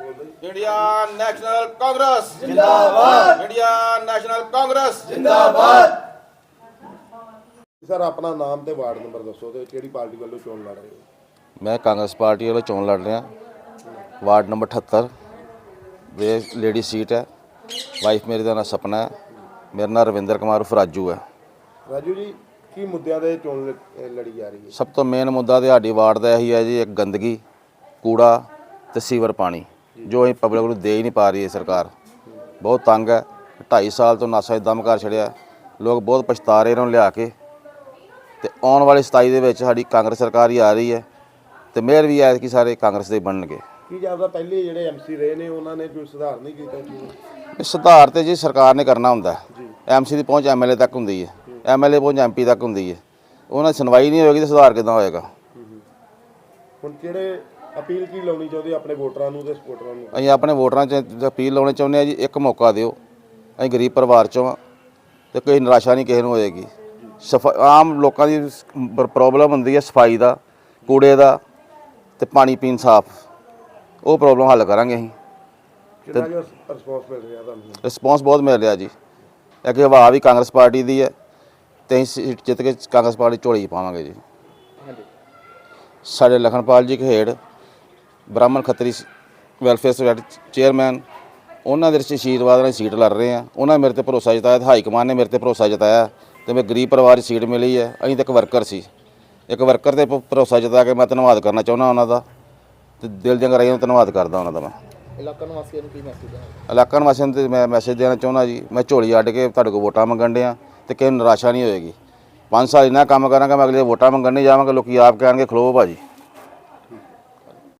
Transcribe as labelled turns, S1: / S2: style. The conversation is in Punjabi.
S1: इंडिया नेशनल कांग्रेस जिंदाबाद। इंडिया नेशनल कांग्रेस जिंदाबाद।
S2: सर अपना नाम ते वार्ड नंबर दसो ते किहड़ी पार्टी वालों चोण लड़ रहे हो?
S3: मैं कांग्रेस पार्टी वालों चोन लड़ रहा, वार्ड नंबर 78 वे लेडी सीट है। वाइफ मेरी का नाम सपना है, मेरा नाम रविंदर कुमार उर्फ राजू है।
S2: राजू जी की मुद्दों ते चोण लड़ी जा रही है?
S3: सब तो मेन मुद्दा तो साडी वार्ड का यही है जी, एक गंदगी, कूड़ा ते सीवर पानी जो अं पब्लिक को दे ही नहीं पा रही है सरकार। बहुत तंग है, 2.5 साल तो नासा दम कर छड़िया, लोग बहुत पछता रहे इन्होंने लिया के। तो आने वाली 27 ਦੇ ਵਿੱਚ ਸਾਡੀ ਕਾਂਗਰਸ ਸਰਕਾਰ ਹੀ ਆ ਰਹੀ ਹੈ ਤੇ ਮੇਅਰ ਵੀ ਹੈ ਕਿ ਸਾਰੇ ਕਾਂਗਰਸ ਦੇ ਬਣਨਗੇ।
S2: ਕੀ ਜਾਪਦਾ ਪਹਿਲੇ ਜਿਹੜੇ ਐਮਸੀ ਰਹੇ ਨੇ ਉਹਨਾਂ ਨੇ ਕੋਈ ਸੁਧਾਰ ਨਹੀਂ ਕੀਤਾ?
S3: ਸੁਧਾਰ ਤੇ ਜੀ ਸਰਕਾਰ ਨੇ ਕਰਨਾ ਹੁੰਦਾ ਹੈ। ਐਮਸੀ ਦੀ ਪਹੁੰਚ ਐਮਐਲਏ ਤੱਕ ਹੁੰਦੀ ਹੈ, ਐਮਐਲਏ ਪਹੁੰਚ ਐਮਪੀ ਤੱਕ ਹੁੰਦੀ ਹੈ। ਉਹਨਾਂ ਦੀ ਸੁਣਵਾਈ ਨਹੀਂ ਹੋਏਗੀ ਤਾਂ ਸੁਧਾਰ ਕਿੱਦਾਂ ਹੋਏਗਾ?
S2: ਹੁਣ ਜਿਹੜੇ ਅਪੀਲ ਕੀ ਲਾਉਣੀ ਚਾਹੁੰਦੇ ਆਪਣੇ ਵੋਟਰਾਂ ਨੂੰ ਤੇ ਸਪੋਰਟਰਾਂ ਨੂੰ?
S3: ਅਸੀਂ ਆਪਣੇ ਵੋਟਰਾਂ 'ਚ ਅਪੀਲ ਲਾਉਣੀ ਚਾਹੁੰਦੇ ਹਾਂ ਜੀ, ਇੱਕ ਮੌਕਾ ਦਿਓ। ਅਸੀਂ ਗਰੀਬ ਪਰਿਵਾਰ 'ਚੋਂ ਹਾਂ ਤੇ ਕੋਈ ਨਿਰਾਸ਼ਾ ਨਹੀਂ ਕਿਸੇ ਨੂੰ ਹੋਏਗੀ। ਆਮ ਲੋਕਾਂ ਦੀ ਪ੍ਰੋਬਲਮ ਹੁੰਦੀ ਹੈ ਸਫਾਈ ਦਾ, ਕੂੜੇ ਦਾ ਤੇ ਪਾਣੀ ਪੀਣ ਸਾਫ, ਉਹ ਪ੍ਰੋਬਲਮ ਹੱਲ ਕਰਾਂਗੇ ਅਸੀਂ।
S2: ਕਿੰਨਾ ਕੁ ਰਿਸਪੌਂਸ ਮਿਲ ਰਿਹਾ ਤੁਹਾਨੂੰ?
S3: ਰਿਸਪੌਂਸ ਬਹੁਤ ਮਿਲ ਰਿਹਾ ਜੀ। ਅੱਗੇ ਹਵਾ ਵੀ ਕਾਂਗਰਸ ਪਾਰਟੀ ਦੀ ਹੈ ਤੇ ਅਸੀਂ ਸੀਟ ਜਿੱਤ ਕੇ ਕਾਂਗਰਸ ਪਾਰਟੀ ਝੋਲੀ ਪਾਵਾਂਗੇ ਜੀ। ਸਾਡੇ ਲਖਨਪਾਲ ਜੀ ਖੇੜ ਬ੍ਰਾਹਮਣ ਖੱਤਰੀ ਵੈਲਫੇਅਰ ਸੋਸਾਇਟੀ ਚੇਅਰਮੈਨ, ਉਹਨਾਂ ਦੇ ਆਸ਼ੀਰਵਾਦ ਨਾਲ ਸੀਟ ਲੜ ਰਹੇ ਆ। ਉਹਨਾਂ ਨੇ ਮੇਰੇ ਤੇ ਭਰੋਸਾ ਜਤਾਇਆ, ਹਾਈ ਕਮਾਨ ਨੇ ਮੇਰੇ ਤੇ ਭਰੋਸਾ ਜਤਾਇਆ ਤੇ ਮੈਂ ਗਰੀਬ ਪਰਿਵਾਰ 'ਚ ਸੀਟ ਮਿਲੀ ਹੈ। ਅਸੀਂ ਤਾਂ ਇੱਕ ਵਰਕਰ ਸੀ, ਇੱਕ ਵਰਕਰ ਤੇ ਭਰੋਸਾ ਜਤਾ ਕੇ ਮੈਂ ਧੰਨਵਾਦ ਕਰਨਾ ਚਾਹੁੰਦਾ ਉਹਨਾਂ ਦਾ ਤੇ ਦਿਲ ਦੀਆਂ ਗਹਿਰਾਈਆਂ ਤੋਂ ਧੰਨਵਾਦ ਕਰਦਾ ਉਹਨਾਂ ਦਾ। ਮੈਂ
S4: ਇਲਾਕਾ ਨਿਵਾਸੀਆਂ ਨੂੰ ਕੀ ਮੈਸੇਜ ਹੈ?
S3: ਇਲਾਕਾ ਨਿਵਾਸੀਆਂ ਨੂੰ ਮੈਂ ਮੈਸੇਜ ਦੇਣਾ ਚਾਹੁੰਦਾ ਜੀ, ਮੈਂ ਝੋਲੀ ਅੱਡ ਕੇ ਤੁਹਾਡੇ ਕੋਲ ਵੋਟਾਂ ਮੰਗਣ ਡਿਆ ਤੇ ਕਿਸੇ ਨੂੰ ਨਿਰਾਸ਼ਾ ਨਹੀਂ ਹੋਏਗੀ। 5 ਸਾਲ ਇੰਨਾ ਕੰਮ ਕਰਾਂਗਾ, ਮੈਂ ਅਗਲੇ ਵੋਟਾਂ ਮੰਗਣ ਨਹੀਂ ਜਾਵਾਂਗਾ। ਲੋਕੀ ਆਪ ਕਹਿਣਗੇ ਖਲੋ ਭਾਜੀ।